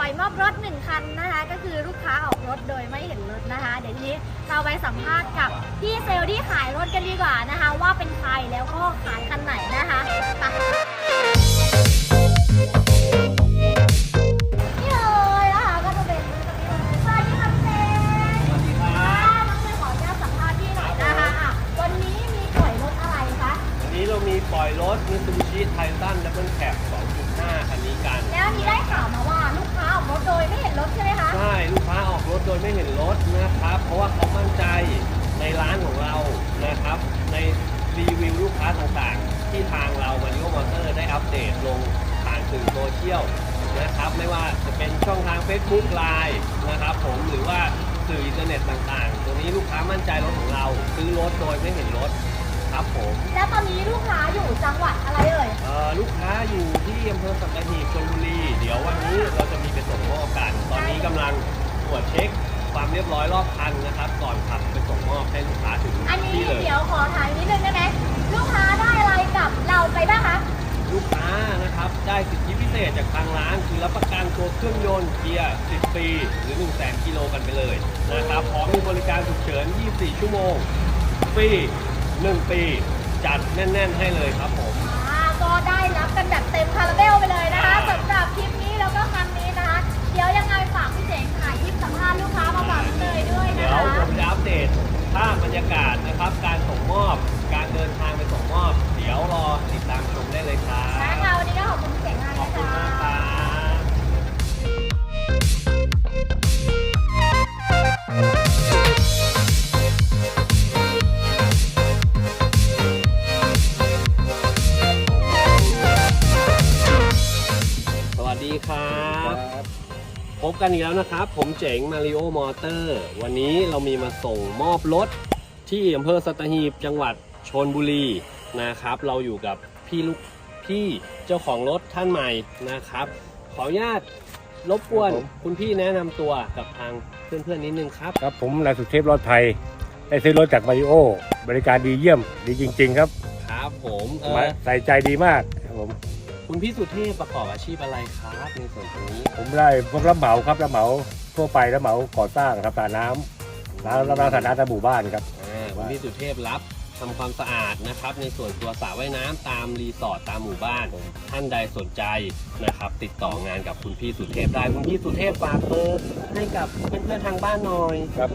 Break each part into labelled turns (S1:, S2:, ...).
S1: อยมอบรถ1 คันนะคะก็คือลูกค้าออกรถโดยไม่เห็นรถนะคะเดี๋ยวทีนี้เราไปสัมภาษณ์กับพี่เซลล์ที่ขายรถกันดีกว่านะคะว่าเป็นใครแล้วก็ขายคันไหนนะคะไปนี่เลยนะคะก็จะเป็นสวัสดีค่ะพี่เซลล์สวัสดีค่ะน้องเซลล์ขออนุญาตสัมภาษณ์พี่หน่อยนะคะวันนี้มีปล่อยรถอะไรคะ
S2: วันนี้เรามีปล่อยรถ Mitsubishi Titan Double Cab 2.5 คันนี้กัน
S1: แล้วนี้ได้ข่าวมาว่าลูกค้าออกรถโดยไม่เห็นรถใช่ไหมคะ
S2: ใช่ลูกค้าออกรถโดยไม่เห็นรถนะครับเพราะว่าเขามั่นใจในร้านของเรานะครับในรีวิวลูกค้าต่างๆที่ทางเราMario Motorได้อัปเดตลงผ่านสื่อโซเชียลนะครับไม่ว่าจะเป็นช่องทาง Facebook Line นะครับผมหรือว่าสื่ออินเทอร์เน็ตต่างๆตัวนี้ลูกค้ามั่นใจรถของเราซื้อรถโดยไม่เห็นรถครับผม
S1: แล้วตอนนี้ลูกค้าอยู่จังหวัดอะไรเอ่ย
S2: ลูกค้าอยู่ที่อำเภอสัตหีบชลบุรีเดี๋ยววันนี้เราจะมีไปส่งมอบกันตอนนี้กำลังตรวจเช็คความเรียบร้อยรอบคันนะครับก่อนขับไปส่งมอบให้ลูกค้าถึงที่เลย
S1: เดี๋ยวขอถามนิดนึงได้ไหมลูกค้าได้อะไรกับเราไปบ้างคะ
S2: ลูกค้านะครับได้สิทธิพิเศษจากทางร้านคือรับประกันตัวเครื่องยนต์เกียร์10 ปีหรือ 100,000 กิโลกันไปเลยนะครับพร้อมมีบริการฉุกเฉิน24 ชั่วโมงฟรี1 ปีจัดแน่นๆให้เลยครับผม
S1: ก็ได้รับกันแบบเต็มคาราเบลไปเลยนะคะสำหรับคลิปนี้แล้วก็ครั้งนี้นะคะเดี๋ยวยังไงฝากพี่เจ๋งถ่ายคลิปสัมภาษณ์ลูกค้ามาฝากเลยด้วยนะคะ
S2: เดี๋ยวผมจะอัปเดตภาพบรรยากาศนะครับการส่งมอบการเดินทางไปส่งมอบเดี๋ยวรอติดตามชมได้เลยครับ
S1: ค่ะวันนี้ก็ขอบคุณพี่เจ๋งมากนะคะขอบคุณมาก
S2: สวัสดีครับพบกันอีกแล้วนะครับผมเจ๋งมาริโอมอเตอร์วันนี้เรามีมาส่งมอบรถที่อำเภอสัตหีบจังหวัดชลบุรีนะครับเราอยู่กับพี่เจ้าของรถท่านใหม่นะครับขออนุญาตรบกวนคุณพี่แนะนำตัวกับทางเพื่อนๆนิดนึงครับ
S3: ครับผมนายสุเทพรอดไทยได้ซื้อรถจากมาริโอบริการดีเยี่ยมดีจริงๆครับ
S2: ครับผม
S3: ใส่ใจดีมากครับผม
S2: คุณพี่สุเทพประกอบอาชีพอะไรครับในส่วนตรงนี้
S3: ผมได้พวกรับเหมาครับรับเหมาทั่วไปรับเหมาก่อสร้างครับสระน้ำรับสระน้ำในหมู่บ้านครับ
S2: คุณพี่สุเทพรับทำความสะอาดนะครับในส่วนตัวสระว่ายน้ำตามรีสอร์ทตามหมู่บ้านท่านใดสนใจนะครับติดต่องานกับคุณพี่สุเทพได้คุณพี่สุเทพฝากเบอร์ให้กับเพื่อนๆทางบ้านหน่อย
S3: ครับ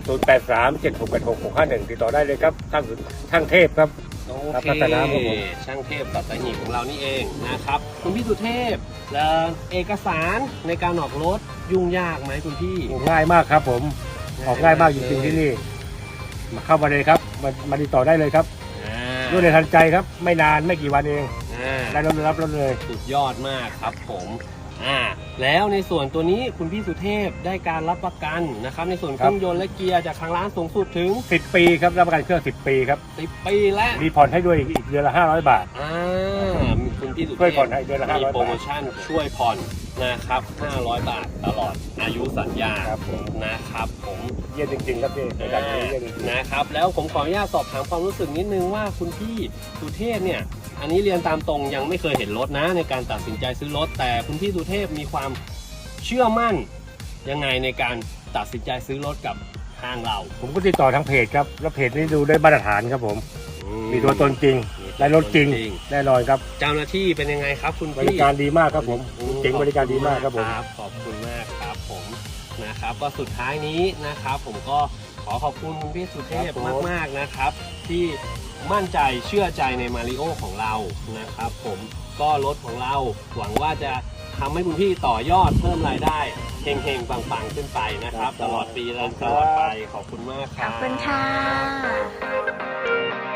S3: 0837686651ติดต่อได้เลยครับช่างเทพครับ
S2: โอเคช่างเทพสัตหีบของเรานี่เองนะครับคุณพี่สุเทพเอกสารในการออกรถยุ่งยากไหมคุณพี่
S3: ง่ายมากครับผมออกง่ายมากจริงๆที่นี่มาเข้ามาเลยครับมาติดต่อได้เลยครับรวดเร็วทันใจครับไม่นานไม่กี่วันเองได้รับรถเลย
S2: สุดยอดมากครับผมแล้วในส่วนตัวนี้คุณพี่สุเทพได้การรับประกันนะครับในส่วนเครื่องยนต์และเกียร์จากทางร้านสูงสุดถึง
S3: 10 ปีครับรับประกันเครื่อง10 ปีครับ
S2: 10 ปีและ
S3: มีผ่อนให้ด้วยอีกเดือนละ500 บาท
S2: คุณพี่สุเทพ
S3: ช่วยผ่อนให้เดือนละ500 บาท
S2: มีโปรโมชั่นช่วยผ่อนนะครับ500 บาทตลอดอายุสัญญานะครับผม
S3: เยี่ยมจริงๆครับพี่
S2: นะครับแล้วผมขออนุญาตสอบถามความรู้สึกนิดนึงว่าคุณพี่สุเทพเนี่ยอันนี้เรียนตามตรงยังไม่เคยเห็นรถนะในการตัดสินใจซื้อรถแต่คุณพี่สุเทพมีความเชื่อมั่นยังไงในการตัดสินใจซื้อรถกับทางเรา
S3: ผมก็ติดต่อทางเพจครับแล้วเพจนี้ดูได้มาตรฐานครับผมมีตัวตนจริงได้รถจริงแน่นอนครับ
S2: เจ้าหน้าที่เป็นยังไงครับคุณพี่
S3: บริการดีมากครับผมเจ๋งบริการดีมากครับผม
S2: ขอบคุณมากครับผมนะครับก็สุดท้ายนี้นะครับผมก็ขอบคุณคุณพี่สุเทพมากๆนะครับที่มั่นใจเชื่อใจในมาริโอของเรานะครับผมก็รถของเราหวังว่าจะทำให้คุณพี่ต่อยอดเพิ่มรายได้เฮงๆปังๆขึ้นไปนะครับตลอดปีและตลอดไปขอบคุณมากครับ
S1: ขอบคุณค่ะ